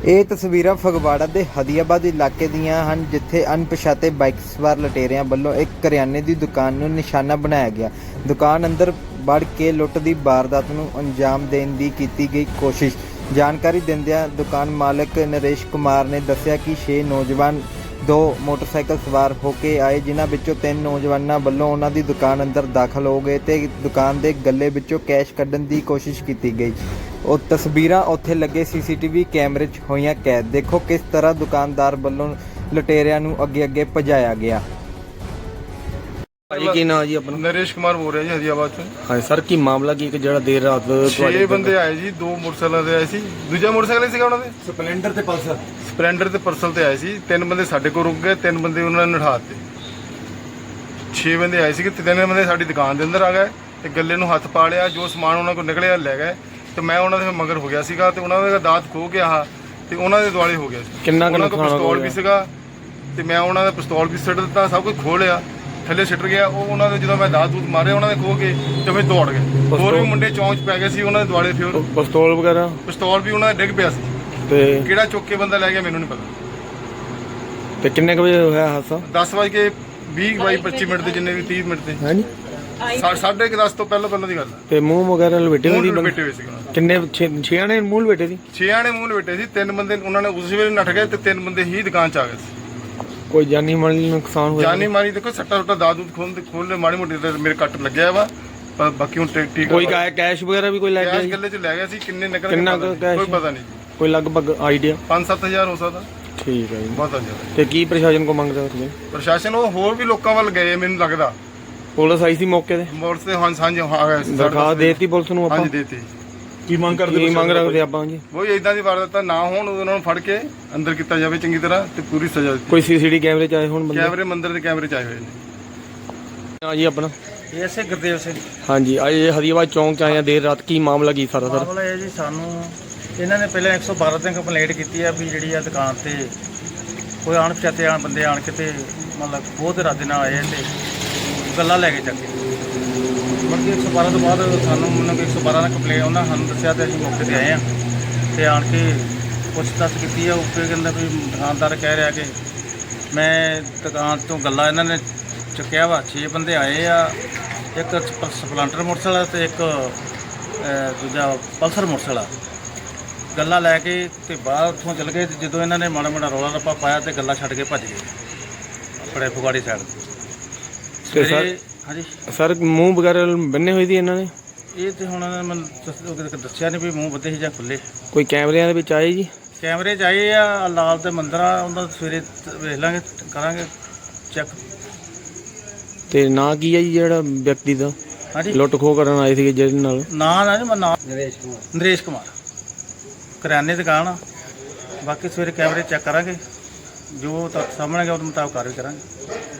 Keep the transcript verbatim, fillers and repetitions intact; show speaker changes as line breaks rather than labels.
ਇਹ ਤਸਵੀਰਾਂ ਫਗਵਾੜਾ ਦੇ ਹਦੀਆਬਾਦ ਇਲਾਕੇ ਦੀਆਂ ਹਨ, ਜਿੱਥੇ ਅਣਪਛਾਤੇ ਬਾਈਕ ਸਵਾਰ ਲੁਟੇਰਿਆਂ ਵੱਲੋਂ ਇੱਕ ਕਰਿਆਨੇ ਦੀ ਦੁਕਾਨ ਨੂੰ ਨਿਸ਼ਾਨਾ ਬਣਾਇਆ ਗਿਆ। ਦੁਕਾਨ ਅੰਦਰ ਵੜ ਕੇ ਲੁੱਟ ਦੀ ਵਾਰਦਾਤ ਨੂੰ ਅੰਜਾਮ ਦੇਣ ਦੀ ਕੀਤੀ ਗਈ ਕੋਸ਼ਿਸ਼। ਜਾਣਕਾਰੀ ਦਿੰਦਿਆਂ ਦੁਕਾਨ ਮਾਲਕ ਨਰੇਸ਼ ਕੁਮਾਰ ਨੇ ਦੱਸਿਆ ਕਿ ਛੇ ਨੌਜਵਾਨ ਦੋ ਮੋਟਰਸਾਈਕਲ ਸਵਾਰ ਹੋ ਕੇ ਆਏ, ਜਿਨ੍ਹਾਂ ਵਿੱਚੋਂ ਤਿੰਨ ਨੌਜਵਾਨਾਂ ਵੱਲੋਂ ਉਹਨਾਂ ਦੀ ਦੁਕਾਨ ਅੰਦਰ ਦਾਖਲ ਹੋ ਗਏ ਤੇ ਦੁਕਾਨ ਦੇ ਗੱਲੇ ਵਿੱਚੋਂ ਕੈਸ਼ ਕੱਢਣ ਦੀ ਕੋਸ਼ਿਸ਼ ਕੀਤੀ ਗਈ। ਉਹ ਤਸਵੀਰਾਂ ਉੱਥੇ ਲੱਗੇ ਸੀਸੀਟੀਵੀ ਕੈਮਰੇ 'ਚ ਹੋਈਆਂ ਕੈਦ। ਦੇਖੋ ਕਿਸ ਤਰ੍ਹਾਂ ਦੁਕਾਨਦਾਰ ਵੱਲੋਂ ਲੁਟੇਰਿਆਂ ਨੂੰ ਅੱਗੇ ਅੱਗੇ ਭਜਾਇਆ ਗਿਆ।
ਭਾਜੀ ਕੀ ਨਾਮ ਜੀ ਆਪਣਾ?
ਨਰੇਸ਼ ਕੁਮਾਰ ਬੋਲ ਰਿਹਾ ਜੀ ਹਰੀਆਬਾਦ ਤੋਂ।
ਹਾਂ ਸਰ, ਕੀ ਮਾਮਲਾ ਕੀ ਕਿ ਜਿਹੜਾ ਦੇਰ ਰਾਤ
ਛੇ ਬੰਦੇ ਆਏ ਜੀ, ਦੋ ਮੋਟਰਸਾਈਕਲਾਂ ਤੇ ਆਏ ਸੀ, ਦੂਜਾ ਮੋਟਰਸਾਈਕਲ ਸੀਗਾ ਉਹਨਾਂ ਦੇ
ਸਪਲੈਂਡਰ ਤੇ ਪਲਸਰ
ਸਪਲੈਂਡਰ ਤੇ ਪਰਸਲ ਤੇ ਆਏ ਸੀ। ਤਿੰਨ ਬੰਦੇ ਸਾਡੇ ਕੋਲ ਰੁਕ ਗਏ, ਤਿੰਨ ਬੰਦੇ ਉਹਨਾਂ ਨੇ ਨਠਾ ਦਿੱਤੇ। ਛੇ ਬੰਦੇ ਆਏ ਸੀ, ਤਿੰਨ ਬੰਦੇ ਸਾਡੀ ਦੁਕਾਨ ਦੇ ਅੰਦਰ ਆ ਗਏ ਤੇ ਗੱਲੇ ਨੂੰ ਹੱਥ ਪਾ ਲਿਆ, ਜੋ ਸਮਾਨ ਉਹਨਾਂ ਕੋਲ ਨਿਕਲਿਆ ਲੈ ਗਏ ਤੇ ਮੈਂ ਉਹਨਾਂ ਦੇ ਮਗਰ ਹੋ ਗਿਆ ਸੀਗਾ ਤੇ ਉਹਨਾਂ ਦਾ ਦਾਤ ਖੋ ਗਿਆ ਤੇ ਉਹਨਾਂ ਦੇ ਦੁਆਲੇ ਹੋ ਗਿਆ ਸੀ।
ਕਿੰਨਾ ਕੁ
ਉਹਨਾਂ ਕੋਲ
ਨੁਕਸਾਨ
ਪਿਸਤੌਲ ਵੀ ਸੀਗਾ ਤੇ ਮੈਂ ਉਹਨਾਂ ਦਾ ਪਿਸਤੌਲ ਵੀ ਸਿੱਟ ਦਿੱਤਾ, ਸਭ ਕੁਝ ਖੋਹ ਲਿਆ, ਥੱਲੇ ਸਿੱਟ ਗਿਆ। ਉਹ ਉਹਨਾਂ ਦੇ ਜਦੋਂ ਮੈਂ ਦਾਤ ਦੂਤ ਮਾਰਿਆ ਉਹਨਾਂ ਦੇ ਖੋ ਕੇ ਤੇ ਫਿਰ ਦੌੜ ਗਏ। ਹੋਰ ਵੀ ਮੁੰਡੇ ਚੌਂਚ ਪੈ ਗਏ ਸੀ ਉਹਨਾਂ ਦੇ ਦੁਆਲੇ, ਫਿਰ
ਪਿਸਤੌਲ ਵਗੈਰਾ
ਪਿਸਤੌਲ ਵੀ ਉਹਨਾਂ ਦਾ ਡਿੱਗ ਪਿਆ ਸੀ
ਤੇ
ਕਿਹੜਾ ਚੁੱਕ ਕੇ ਬੰਦਾ ਲੈ ਗਿਆ ਮੈਨੂੰ ਨਹੀਂ ਪਤਾ।
ਤੇ ਕਿੰਨੇ ਕੁ ਵਜੇ ਹੋਇਆ ਹਾਦਸਾ?
ਦਸ ਵਜੇ ਕੇ ਵੀਹ ਬਾਈ ਪੱਚੀ ਮਿੰਟ ਦੇ, ਜਿੰਨੇ ਵੀ ਤੀਹ ਮਿੰਟ ਦੇ,
ਹਾਂਜੀ
ਸਾਢੇ ਕੁ ਦਸ ਤੋਂ ਪਹਿਲਾਂ ਪਹਿਲਾਂ ਦੀ ਗੱਲ ਹੈ।
ਤੇ ਮੂੰਹ ਵਗੈਰਾ ਲਪੇਟੇ ਹੋਏ ਸੀ?
ਮੂੰਹ ਲਪੇਟੇ ਹੋਏ ਸੀ ਉਹਨਾਂ ਦੇ।
ਕਿੰਨੇ ਛੇ ਆਣੇ ਮੂੰਹ ਲਪੇਟੇ ਸੀ?
ਛੇ ਆਣੇ ਮੂੰਹ ਲਪੇਟੇ ਸੀ। ਤਿੰਨ ਬੰਦੇ ਉਹਨਾਂ ਨੇ ਉਸ ਵੇਲੇ ਨੱਠ ਗਏ ਤੇ ਤਿੰਨ ਬੰਦੇ ਹੀ ਦੁਕਾਨ 'ਚ ਆ ਗਏ ਸੀ।
ਕੋਈ ਜਾਨੀ ਮਾਲੀ ਨੁਕਸਾਨ ਹੋਇਆ?
ਜਾਨੀ ਮਾਰੀ ਦੇਖੋ ਸੱਟਾ ਸੁੱਟਾ ਦਾਦ ਦੂਦ ਖੋਲ ਖੋਲ ਮਾੜੀ ਮੋਟੀ ਤੇ ਮੇਰੇ ਕੱਟ ਲੱਗਿਆ ਵਾ, ਪਰ ਬਾਕੀ ਹੁਣ ਠੀਕ ਠੀਕ।
ਕੋਈ ਕੈਸ਼ ਵਗੈਰਾ ਵੀ ਕੋਈ ਲੈ ਗਿਆ?
ਕੈਸ਼ ਗੱਲੇ 'ਚ ਲੈ ਗਿਆ ਸੀ। ਕਿੰਨੇ ਨਿਕਲ
ਕਿੰਨਾ ਕੁ ਕੈਸ਼?
ਕੋਈ ਪਤਾ ਨਹੀਂ,
ਕੋਈ ਲਗਭਗ ਆਈਡੀਆ?
ਪੰਜ ਸੱਤ ਹਜ਼ਾਰ ਹੋ ਸਕਦਾ।
ਠੀਕ ਹੈ ਜੀ,
ਬਹੁਤ ਜ਼ਿਆਦਾ।
ਤੇ ਕੀ ਪ੍ਰਸ਼ਾਸਨ ਕੋ ਮੰਗਦੇ ਹੋ ਤੁਸੀਂ?
ਪ੍ਰਸ਼ਾਸਨ ਉਹ ਹੋਰ ਵੀ ਲੋਕਾਂ ਵੱਲ ਗਏ ਮੈਨੂੰ ਲੱਗਦਾ।
ਪੁਲਿਸ ਆਈ ਸੀ ਮੌਕੇ ਤੇ?
ਮੋਟਰ ਤੇ ਹਾਂ ਸਾਂਝ ਆ ਗਏ ਸੀ।
ਦਰਖਾਸਤ ਦੇਤੀ ਪੁਲਿਸ ਨੂੰ ਆਪਾਂ?
ਹਾਂਜੀ ਦੇਤੀ।
ਕੀ ਮੰਗ ਕਰਦੇ? ਕੀ ਮੰਗ ਰੱਖਦੇ ਆਪਾਂ ਜੀ?
ਉਹ ਇਦਾਂ ਦੀ ਵਾਰਦਾਤਾਂ ਨਾ ਹੋਣ, ਉਹਨਾਂ ਨੂੰ ਫੜ ਕੇ ਅੰਦਰ ਕੀਤਾ ਜਾਵੇ ਚੰਗੀ ਤਰ੍ਹਾਂ ਤੇ ਪੂਰੀ ਸਜ਼ਾ ਦਿੱਤੀ।
ਕੋਈ ਸੀਸੀਟੀ ਕੈਮਰੇ ਚ ਆਏ ਹੁਣ ਬੰਦੇ?
ਕੈਮਰੇ ਮੰਦਰ ਦੇ ਕੈਮਰੇ ਚ ਆਏ ਹੋਏ ਨੇ।
ਹਾਂ ਜੀ ਆਪਣਾ?
ਐਸੇ ਗੁਰਦੇਵ ਸਿੰਘ।
ਹਾਂਜੀ, ਅੱਜ ਹਰੀਆਬਾਦ ਚੌਂਕ ਚ ਆਏ ਆ ਦੇਰ ਰਾਤ, ਕੀ ਮਾਮਲਾ ਕੀ ਸਾਰਾ ਸਰ?
ਮਾਮਲਾ ਇਹ ਜੀ, ਸਾਨੂੰ ਇਹਨਾਂ ਨੇ ਪਹਿਲਾਂ ਇੱਕ ਸੌ ਬਾਰਾਂ ਤੇ ਕੰਪਲੇਂਟ ਕੀਤੀ ਆ ਵੀ ਜਿਹੜੀ ਆ ਦੁਕਾਨ ਤੇ ਕੋਈ ਅਣਪਛਾਤੇ ਆਣ ਬੰਦੇ ਆਣ ਕੇ ਤੇ ਮਤਲਬ ਬਹੁਤ ਇਰਾਦੇ ਨਾਲ ਆਏ ਤੇ ਗੱਲਾਂ ਲੈ ਕੇ ਚੱਕੇ। ਬਾਕੀ ਇੱਕ ਸੌ ਬਾਰਾਂ ਤੋਂ ਬਾਅਦ ਸਾਨੂੰ ਮੈਨੂੰ ਇੱਕ ਸੌ ਬਾਰਾਂ ਦਾ ਕੰਪਲੇਂਟ ਉਹਨਾਂ ਸਾਨੂੰ ਦੱਸਿਆ ਤੇ ਅਸੀਂ ਮੌਕੇ ਤੇ ਆਏ ਆ ਤੇ ਆਣ ਕੇ ਪੁੱਛ ਦੱਸ ਕੀਤੀ ਆ। ਉੱਪਰ ਕਹਿੰਦਾ ਵੀ ਦੁਕਾਨਦਾਰ ਕਹਿ ਰਿਹਾ ਕਿ ਮੈਂ ਦੁਕਾਨ ਤੋਂ ਗੱਲਾਂ ਇਹਨਾਂ ਨੇ ਚੁੱਕਿਆ ਵਾ। ਛੇ ਬੰਦੇ ਆਏ ਆ, ਇੱਕ ਸਪਲੈਂਡਰ ਮੋਟਰਸਾਈਕਲ ਤੇ ਇੱਕ ਦੂਜਾ ਪਲਸਰ ਮੋਟਰਸਾਈਕਲ। ਗੱਲਾਂ ਲੈ ਕੇ ਤੇ ਬਾਹਰ ਉੱਥੋਂ ਚਲ ਗਏ ਤੇ ਜਦੋਂ ਇਹਨਾਂ ਨੇ ਮਾੜਾ ਮਾੜਾ ਰੌਲਾ ਰੱਪਾ ਪਾਇਆ ਤੇ ਗੱਲਾਂ ਛੱਡ ਕੇ ਭੱਜ ਗਏ ਆਪਣੇ ਫਗਵਾੜੇ ਸਾਈਡ
ਤੇ ਸਰ?
ਹਾਂਜੀ
ਸਰ ਮੂੰਹ ਵਗੈਰਾ ਬੰਨੇ ਹੋਏ ਸੀ ਇਹਨਾਂ ਨੇ?
ਇਹ ਤੇ ਹੁਣ ਮੈਨੂੰ ਦੱਸ- ਦੱਸਿਆ ਨਹੀਂ ਵੀ ਮੂੰਹ ਬੱਧੇ ਸੀ ਜਾਂ ਖੁੱਲੇ।
ਕੋਈ ਕੈਮਰਿਆਂ ਦੇ ਵਿੱਚ ਆਏ ਜੀ?
ਕੈਮਰੇ 'ਚ ਆਏ ਆ, ਲਾਲ ਦੇ ਮੰਦਰ ਆ, ਉਹਨਾਂ ਸਵੇਰੇ ਵੇਖ ਲਾਂਗੇ, ਕਰਾਂਗੇ ਚੈੱਕ।
ਤੇ ਨਾਂ ਕੀ ਹੈ ਜੀ ਜਿਹੜਾ ਵਿਅਕਤੀ ਦਾ
ਹਾਂਜੀ,
ਲੁੱਟ ਖੋਹ ਕਰਨ ਆਏ ਸੀਗੇ ਜਿਹਦੇ ਨਾਲ?
ਨਾਂ ਨਾ ਜੀ, ਮੈਂ ਨਾਂ ਨਰੇਸ਼ ਕੁਮਾਰ। ਨਰੇਸ਼ ਕੁਮਾਰ, ਕਰਿਆਨੇ ਦੀ ਦੁਕਾਨ ਆ। ਬਾਕੀ ਸਵੇਰੇ ਕੈਮਰੇ ਚੈੱਕ ਕਰਾਂਗੇ, ਜੋ ਤੱਕ ਸਾਹਮਣੇ ਗਿਆ ਉਹਦੇ ਮੁਤਾਬਕ ਕਾਰਵਾਈ ਕਰਾਂਗੇ।